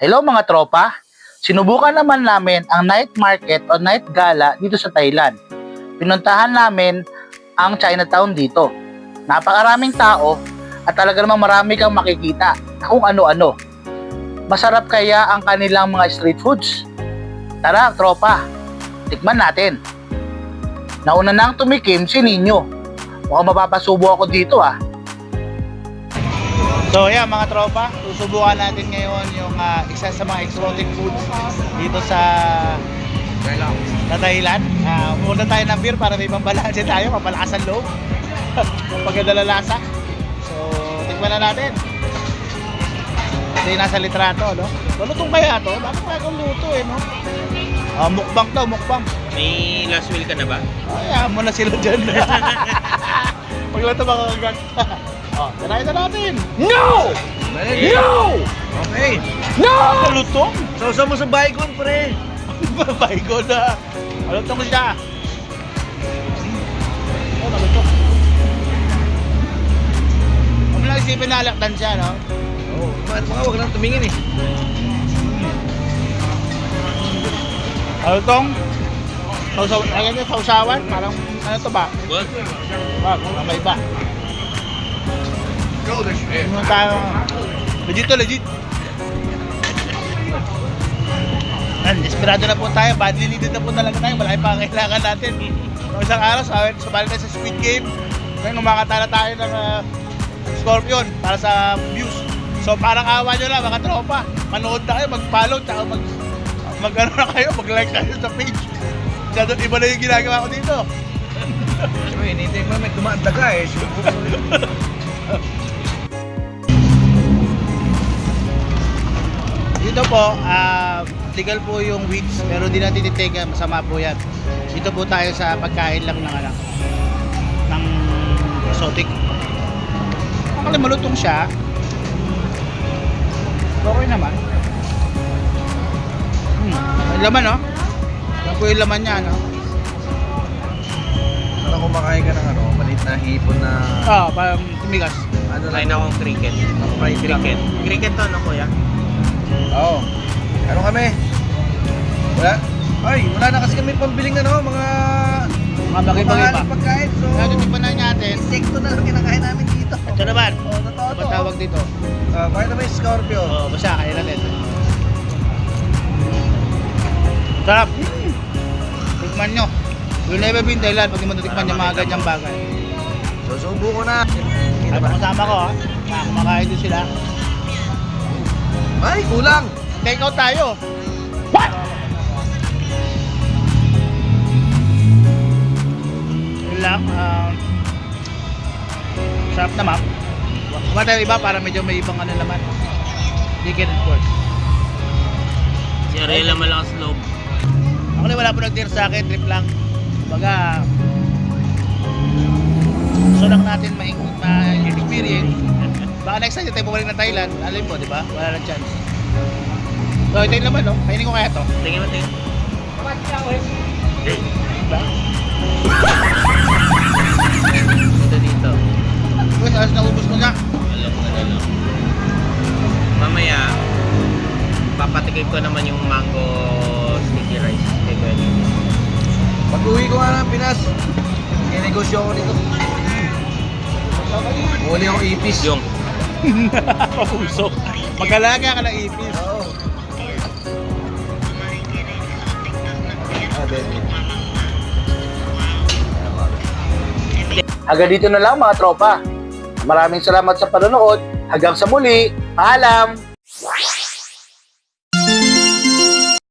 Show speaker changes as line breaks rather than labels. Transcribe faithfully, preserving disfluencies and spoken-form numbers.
Hello mga tropa, sinubukan naman namin ang night market o night gala dito sa Thailand. Pinuntahan namin ang Chinatown dito. Napakaraming tao at talaga namang marami kang makikita na kung ano-ano. Masarap kaya ang kanilang mga street foods? Tara tropa, tikman natin. Nauna nang tumikim si Nino. Mukhang mapapasubo ako dito ah. So yeah mga tropa, susubukan natin ngayon yung uh, isa sa mga exotic foods dito sa sa Thailand. Uh, Muna tayo ng beer para may pambalansin tayo, mapalakas ang loob. Pagkadala lasa. So tikman na natin. Ito yung nasa litrato, no? Malutong kaya to? Bakit kaya kung luto eh, no? Uh, mukbang to, mukbang.
May last will ka na ba?
Kaya mo na sila dyan. Pagla ito makakagat. Oh, tanayin na natin.
No! No!
Okay. No! Malutong.
Sausaw mo sa baygon, pre.
Baygon na. Malutong siya. Oh, malutong. Huwag mo lang isipin na alaktan siya, no?
Oo, oh, mga huwag lang tumingin eh.
Malutong. Sausaw, ayan yung sausawan. Parang, ano to ba?
What?
Wag, may iba. Ano tayo? Legit to, legit. Yan, desperado na po tayo. Badly needed na po talaga tayo. Malaki pa ang kailangan natin. Noong isang araw, sumali tayo sa Squid Game. Ngayon, umakatala tayo ng uh, Scorpion para sa views. So, parang awa nyo lang, mga tropa. Manood na kayo, mag-follow, tsaka mag, mag ano na kayo, mag-like na kayo sa page. Kaya iba na yung ginagawa ko dito.
Uy, hinihintay mo may dumaan daga eh.
Dito po, uh, legal po yung weeds, pero di natin titega, masama po yan. Dito po tayo sa pagkain lang ng ano, ng exotic. Ang malutong siya. Okay naman. Hmm, may laman no? Yan po yung laman niya no?
Parang kumakain ka ng ano, maliit na hipon na...
Ah, parang tumigas.
Ano lang? Kain akong cricket. Fried cricket. Cricket to, ano kuya? Oo. Ano kami? Wala? Ay, wala na kasi kami pambiling ano, mga...
Mga bagay-bagay pa.
Mga pagkain, so...
Kaya tumipan na natin.
Insekto na lang kinakain namin dito.
Ito naman.
Oo, totoo
Ano
to.
ba tawag dito?
Uh, bakit naman yung Scorpio?
Oo, basta kain natin. Sarap. Tikman nyo. You'll never be in Thailand pag di mo natikman yung mga ganyang bagay.
Susubo ko na.
Ay, kasama ko ha. Mga kumakain din sila.
Ay, kulang!
Take out tayo. What? Yun lang. Um, sarap naman. Kumain tayo iba para medyo may ibang ano naman. Chicken and pork.
Si Ariela malakas loob.
Ako na wala po nag-dear sa akin. Trip lang. Baga, gusto lang natin ma-experience. Baka next time tayo bumalik ng Thailand, alam mo, di ba? Wala lang chance. So, ito yung laman, no? Kainin ko kaya to.
Tingin mo, tingin.
Diba?
Ito dito.
Uy, alas naubos ko na.
Alam mo na lang. Mamaya, papatikim ko naman yung mango sticky rice. Kay Kuya Nino.
Pag uwi ko nga ng Pinas, kinegosyo ako dito. Muli akong ipis.
Yung.
Papuso. Mag-alaga ka ng ipis.
Oo. Ah, baby.
Hanggang dito na lang mga tropa. Maraming salamat sa panonood. Hanggang sa muli. Paalam!